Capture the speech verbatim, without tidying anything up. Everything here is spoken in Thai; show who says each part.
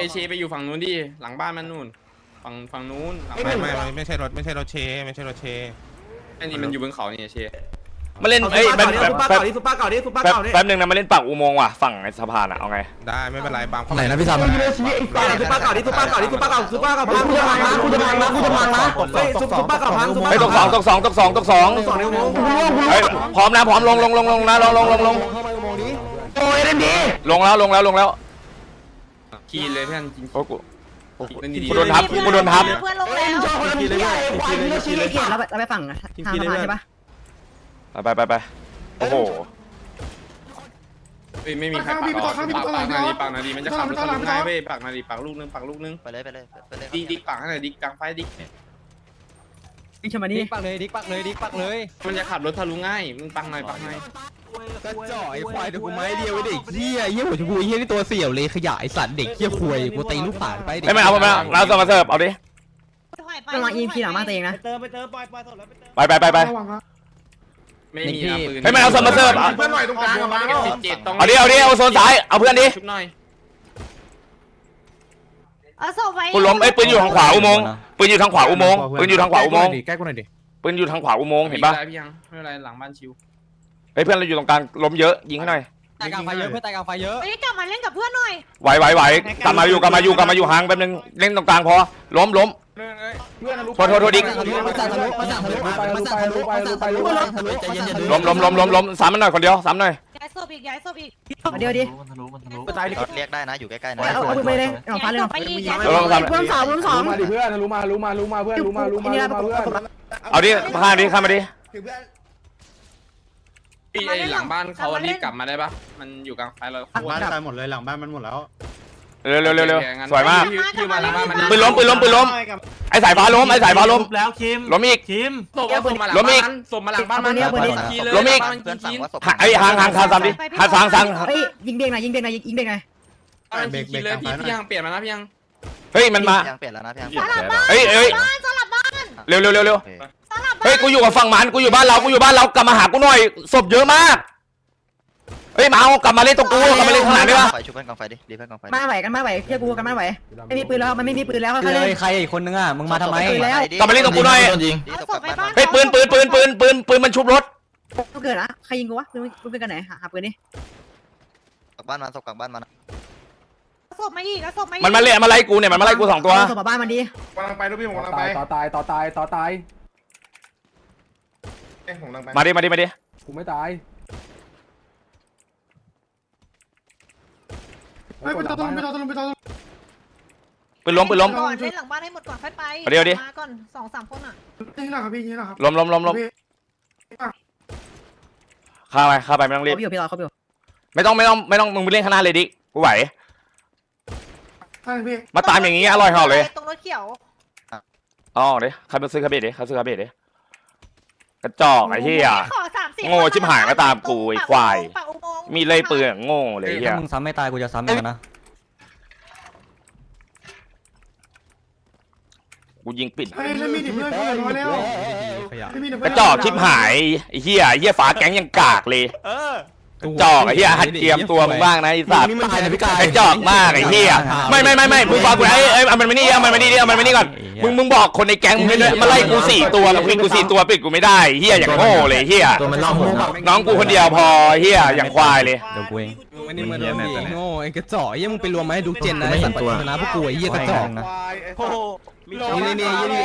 Speaker 1: เชไปอยู่ฝั่งนู้นดิหลังบ้านมันนู่นฝั่งฝั่งนู้น
Speaker 2: ไม่ไม่ไม่ไม่ใช่รถไม่ใช่รถเชไม่ใช่รถเช
Speaker 1: อันนี้มันอยู่บนเขาเนี่ยเช
Speaker 3: มาเล่นเอ้ยแป๊บแป๊บ
Speaker 4: ซุปเปอร์
Speaker 3: แป๊บ
Speaker 4: เก่าดิซุปเปอร์เก่าดิซุปเปอร์
Speaker 3: แป๊บ
Speaker 4: เก่าดิ
Speaker 3: แป๊บนึงนะมาเล่นปากอุโมงค์ว่ะฝั่งในสะพานอ่ะเอาไง
Speaker 2: ได้ไม่เป็นไรบาง
Speaker 5: ไหนนะพี่ซัม
Speaker 4: ซุปเปอร์เก่าดิซุปเปอร์เก่าดิซุปเปอร์เก่าซุปเปอร์เก่าพังกูจะพังนะกูจะพังนะกูจะพังนะเฮ้ยซุปเปอร์เก่าพังซุปเปอร์
Speaker 3: ไอ้ตกสองตกสองตกสองตกสอง
Speaker 4: สองนิ้วโป้ง
Speaker 3: เฮ้ยพร้อมนะพร้อมลงลงลงลงนะลงลงลงลง
Speaker 4: โอ้ยเล่นดี
Speaker 3: ลงแล้วลงแล้วลงแล้ว
Speaker 1: คีนเลยเพื่อนจริง
Speaker 3: โอ้กู
Speaker 1: เล่นดี
Speaker 3: กูโดนทับกูโดนทับ
Speaker 6: เพื่อนลงแล้ว
Speaker 4: ชอบคนละทีเลยควายเราชี้เลย
Speaker 7: เกียรเราไปเราไปฝั่งทางสะพานใช่ปะ
Speaker 3: ไปไปไปโอ้โห
Speaker 1: เฮ้ยไม่มีใครปักหรอกปักปักนาดีปักนาดีมันจะขับรถทะลุง่ายเว้ยปักนาดีปักลูกนึงปักลูกนึง
Speaker 8: ไปเลยไปเลยไปเลย
Speaker 1: ดิกดิกปักให้หน่อยดิกกลางไฟดิก
Speaker 7: วิ่งชมานี่
Speaker 5: ดิกปักเลยดิกปักเลยดิกปักเลย
Speaker 1: มันจะขับรถทะลุง่ายมึงปักหน่อยปักหน่อย
Speaker 5: กระจ่อยควายเดี๋ยวกูไม้เดียวไอ้เด็กเหี้ยเหี้ยหัวชมพูเหี้ยนี่ตัวเสี่ยวเลยขยายสัตว์เด็กเหี้ยควายกูตีลูกป่านไป
Speaker 3: ไม่ไม่เอาไม่เอาเราส่งมาเสิร์ฟเอาดิ
Speaker 7: กำลังอีพีหลังมากตัวเองนะ
Speaker 4: เติมไปเติมปล่อยปล่อยสดแล้วไปเติม
Speaker 3: ไปไปไปไป
Speaker 1: ไม่มีนะปืน
Speaker 3: ไม่ไม่เอาส่งมาเสิร์ฟ
Speaker 4: เพื่อนหน่อยตรงกลางกับมา
Speaker 1: เก็บสิบเจ็ดตรง
Speaker 3: เอาดิเอาดิเอาโซนซ้ายเอาเพื่อนดิ
Speaker 1: ชุบหน่อย
Speaker 6: เอาศพไว้
Speaker 3: กูล้มไอ้ปืนอยู่ทางขวาอุโมงค์ปืนอยู่ทางขวาอุโมงค์ปืนอยู่ทางขวาอุโมงค์
Speaker 5: แก้กูหน่อยดิ
Speaker 3: ปืนอยู่ทางขวาอุโมงค์เห็นปะ
Speaker 1: ไม่พี่ยังไม่เป็นไรหลังบ้านชิว
Speaker 3: เฮ้ยเพื่อนเราอยู่ตรงกลางล้มเยอะยิงให้หน่อย
Speaker 5: ตายกลางไฟเยอะเพื่อนตายกลางไฟเยอะ
Speaker 6: เฮ้ยกลับมาเล่นกับเพื่อนหน่อย
Speaker 3: ไหวไหวไหวกลับมาอยู่กลับมาอยู่กลับมาอยู่ห่างแป๊บนึงเล่นตรงกลางพอล้มล้มโทษโทษโทษดิ
Speaker 5: มาสั่งทะลุมาสั่งทะลุมาสั่งทะลุมาสั่งทะลุมาสั่งทะลุใจเย็นๆ
Speaker 3: ล้มล้มล้มล้มล้มซ้ำมันหน่อยคนเดียวซ้ำหน่อย
Speaker 6: ย้ายศพอีกย้ายศพอีก
Speaker 7: เดี๋ยวดิ
Speaker 8: มันทะลุมันทะลุ
Speaker 4: ตายดิ
Speaker 8: เรียกได้นะอยู่ใกล้ๆนะ
Speaker 7: เอาเอาไปเลยเอาฟ้าเลย
Speaker 6: ไปอีกย้าย
Speaker 3: เออซ้ำ
Speaker 7: เพิ่มสองเพิ่มสอง
Speaker 9: มาดิเพื่อนรู้มารู้มารู้มาเพื่อนรู้มารู้มารู้มาเพื่อน
Speaker 3: เอาดิข้ามดิข้ามมาดิ
Speaker 1: พี่ไอ้หลังบ้านเขารีบกลับมาได้ปะมันอยู่กลางไฟเรา
Speaker 9: บ้านตายหมดเลยหลังบ้านมันหมดแล้ว
Speaker 3: เร็วเร็วเร็วเร็วสวยมาก
Speaker 1: พี่มาหลังบ้านมัน
Speaker 3: ปืนล้มปืนล้มปืนล้มไอ้สายฟ้าล้มไอ้สายฟ้าล้ม
Speaker 4: แล้วคิม
Speaker 3: ล้มอีก
Speaker 4: คิม
Speaker 1: ส่งมาหลังบ้านส่งมาหลังบ้านมันคีเลย
Speaker 3: ล้มอีก
Speaker 8: เพื่อนสั่งว่าศพ
Speaker 3: ไอ้ห่างห่างทางซ้ำดิห่างทางซ้
Speaker 7: เฮ้ยยิงเบรกหน่อยยิงเบรกหน่อยยิงเบรกหน่อย
Speaker 1: มันคีเลยพี่พี่ยังเปลี่ยนมานะพี่ยัง
Speaker 3: ำเฮ้ยมันมา
Speaker 8: ยังเปลี่ยนแล้วนะพี่ยัง
Speaker 6: สลับบ้าน
Speaker 3: เฮ้ยเฮ้ย
Speaker 6: บ้านสลับบ้าน
Speaker 3: เร็วเร็วเร็วเร็ว
Speaker 6: สลับบ้าน
Speaker 3: เฮ้ยกูอยู่กับฝั่งมันกูอยู่บ้านเรากูอยู่บ้านเรากลับมาหากูหน่อยศพเยอะมากเฮ้ยมาเอากลับมาเล่นตรงกูกลับมาเล่นข้างหลังได้ปะ
Speaker 8: ไฟชุบเพื่อนกองไฟดิดีเพื่อนกองไฟ
Speaker 7: มาไหวกันมาไหวเชื่อกูกันมาไหวไม่มีปืนแล้วมันไม่มีปืนแล้ว
Speaker 5: เล
Speaker 7: เขาเล่น
Speaker 5: ยใครอีกคนนึงอ่ะมึงมาทำไม
Speaker 3: กลับมาเล่นตรงกูหน่อย
Speaker 8: ดี
Speaker 6: เอา
Speaker 8: ศพ
Speaker 6: ศพไป
Speaker 8: กลับ
Speaker 6: บ้าน
Speaker 8: บ้าน
Speaker 3: เฮ้ยปืนปืนปืนปืนปืนปืนมันชุบรถ
Speaker 7: กูเกิดนะใครยิงกูวะปืนปืนกันไหนหาปืนนี่
Speaker 8: กลับบ้านมาศพกลับบ้านมานะ
Speaker 6: เอาศพมาอีกเอาศพมาอีก
Speaker 3: มันมาเล่นมาไล่กูเนี่ยมันมาไล่กูสองตัว
Speaker 7: ส่งมาบ้านมันดี
Speaker 9: กำลังไปลูกพี่ผมกำลังไปต่อตายต่อตายต่อตายเอ้ผมกำลังไป
Speaker 3: มาดิมาดิมาดิ
Speaker 9: กูไม่ตายไม่ไปต่อตรงไปต่อตรงไปต่อ
Speaker 3: ปืนล้มปืนล้ม
Speaker 6: ก่อนเล่นหลังบ้านให้หมดก่อนค่อยไป
Speaker 3: เดี๋ยวดิ
Speaker 6: มาก่อนสองสามคนอ่ะ
Speaker 9: นี่นะครับพี่นี่นะครับ
Speaker 3: ล้มล้มล้มล้มข้าไปข้าไปไม่ต้องรีบ
Speaker 7: เขาอยู่พี่รอเขาอยู่
Speaker 3: ไม่ต้องไม่ต้องไม่ต้องมึงไปเล่นข้างหน้าเลยดิกูไหว
Speaker 9: ใช่พี่
Speaker 3: มาตามอย่างงี้อร่อยเหอเลย
Speaker 6: ตรงรถเขียว
Speaker 3: อ๋อเดี๋ยวใครมาซื้อคาเบดดิเขาซื้อคาเบดดิกระจอกไอ้เหี้ย
Speaker 6: ขอสามสิบ
Speaker 3: โง่ชิบหายก็ตามกูไอ้ควาย
Speaker 6: ปากอุโมงค์
Speaker 3: มีเลยปืนโง่เลยเหี้ย
Speaker 5: ถ้ามึงซ้ำไม่ตายกูจะซ้ำมึงนะ
Speaker 3: กูยิงปิด
Speaker 9: เฮ้ยแล้วมีดิเพื่อนเพื่อนมาแล้ว
Speaker 5: ขยะ
Speaker 3: กระจอกชิบหายไอ้เหี้ยไอ้เหี้ยฝาแก๊งยังกากเลยกระจอกไอ้เหี้ยหัดเตรียมตัวมึงบ้างนะไอ้สัตว์
Speaker 5: นี่มันตายนะพี่กาย
Speaker 3: กระจอกมากไอ้เหี้ยไม่ไม่ไม่ไม่มึงฟังกูไอ้เอ้ยเอามันมานี่เอามันมานี่ดิเอามันมานี่ก่อนมึงมึงบอกคนในแก๊งมึงด้วยมาไล่กูสี่ตัวมึงปิดกูสี่ตัวปิดกูไม่ได้เหี้ยอย่างโง่เลยเหี้ย
Speaker 5: ตัวมันล่องหัว
Speaker 3: น้องกูคนเดียวพอเหี้ยอย่างควายเลย
Speaker 5: เดี๋ยวกูเองไม่ได้มาโดนดีโง่ไอ้กระจอกเหี้ยมึงไปรวมมาให้ดูเจนนะไอ้สัตว์ปัจจุบันนะพวกกูไอ้เหี้ยกระจอกนะ
Speaker 4: โอ้โห
Speaker 5: นี่นี่นี่